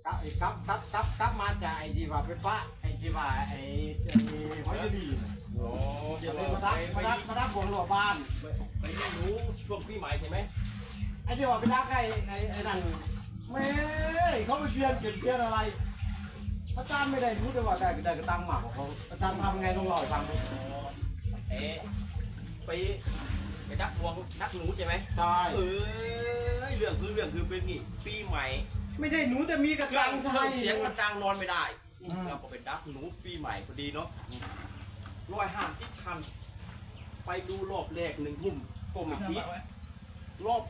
กับมาจากไอ้ที่ว่าเป็นพระไอ้ที่ว่าไอ้หอยดีโอ้เดี๋ยวมาทักวงหลวงบ้านไปรู้ช่วงปีใหม่ใช่ไหมไอ้ที่ว่าไปทักไอ้นั่นไม่เขาไปเปลี่ยนอะไรพระอาจารย์ไม่ได้รู้แต่ว่าได้กระตังหมากของเขาอาจารย์ทำไงต้องรอฟังไปดักวงดักหนูใช่ไหมใช่เรื่องคือเป็นนี่ปีใหม่ไม่ได้หนูแต่มีกระตังใช่เสียงมันดังนอนไม่ได้เราก็ไปดักหนูปีใหม่พอดีเนาะ150 คันไปดูรอบแรก1 ทุ่มก็ไม่ติดรอบ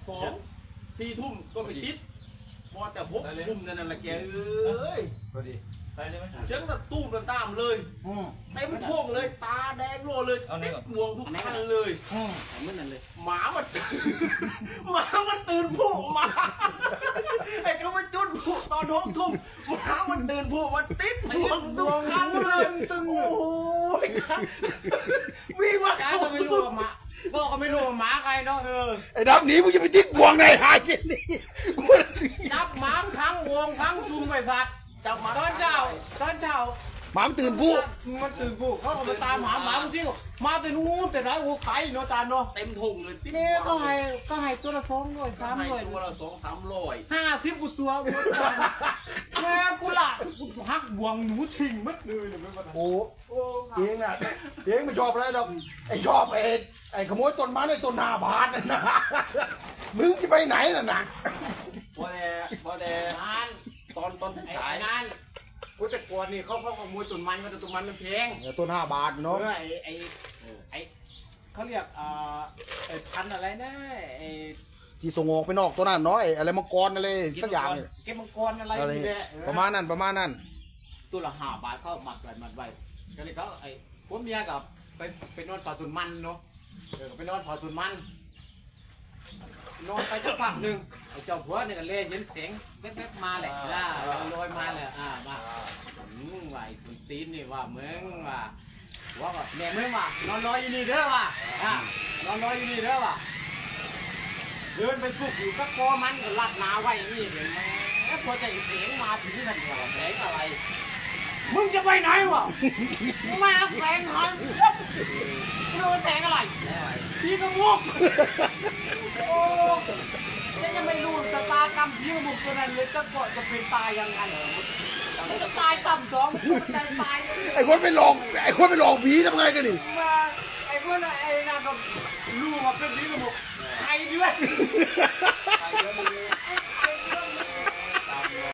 2 4 ทุ่มก็ไม่ติดพอแต่6 ทุ่มนั่นแหละแกพอดีเสียงแบบตู้มตามเลยเต็มโค้งเลยตาแดงโลเลยติดห่วงทุกคันเลยเหมือนนั่นเลยหมามันตื่นผู้มาไอ้เขามาจุดผู้ตอน6 ทุ่มหมามันตื่นผู้มันติดห่วงทุกคันเลยตึงโอ้ยวิ่งมาก็ไม่รู้ว่าหมาก็ไม่รู้ว่าหมาใครเนาะไอ้ดับหนีมึงจะไปทิ้งบวงในหายกินนี่จับหมาทั้งวงทั้งซุ่มไปสัตว์จับมาตอนเช้าหมาตื่นผู้มันตื่นผู้เขาเอาไปตามหาหมาบางทีมาแต่นู้นแต่ไหนโอ้ไกลเนาะจานเนาะเต็มทงเลยนี่ก็ให้ตัวละ200 300 ตัวละ200 300 50กูตัวแม่กูละกูหักบวงหนูทิ้งมัดเลยเลยโอ้เองอ่ะเองไม่ชอบอะไรดอกไอ้ชอบไอ้ขโมยต้นไม้ในต้น5 บาทนั่นนะมึงจะไปไหนน่ะนะพอแต่ตอนสายนั่นกูแต่ก่อนนี่เขาขโมยต้นมันก็ต้นมันมันแพงต้น5 บาทเนาะไอ้เขาเรียกไอ้พันอะไรนะไอ้ที่ส่งออกไปนอกตัวนั้นเนาะอะไรมังกรอะไรสักอย่างเก็บมังกรอะไรนี่แหละประมาณนั้นตัวละ5 บาทเขาหมักไว้ก็เลยเขาไอ้พวกเมียกับไปนอนฝ่าต้นมันเนาะไปนอนฝ่าต้นมันนอนไปสักพักหนึ่งไอ้เจ้าผัวเนี่ยก็เลยเห็นเสียงแว๊บๆมาแหละลอยมาเลยมาว่าไอ้สุนตีนนี่ว่ามึงว่าก็แม่มึงว่านอนรออยู่นี่เด้อว่ะนอนรออยู่นี่เด้อว่ะเดินไปสุกอยู่ก็คอมันก็ลัดนาไว้นี่เดี๋ยวแม่พอใจเสียงมาถึงที่นั่นเดียวแสงอะไรมึงจะไปไหนวะมึงมาแสงหันมึงโดนแสงอะไรพี่กระมุกโอ้จะไม่รู้จะตากำพี่กระมุกตัวนั้นเลยจะกดจะเป็นตายยังไงจะตายต่ำ2ใจตายไอ้คนไปหลอกผีทำไงกันนี่มาไอ้เพื่อนไอ้นั่นก็รู้ว่าเป็นพี่กระมุกใครด้วย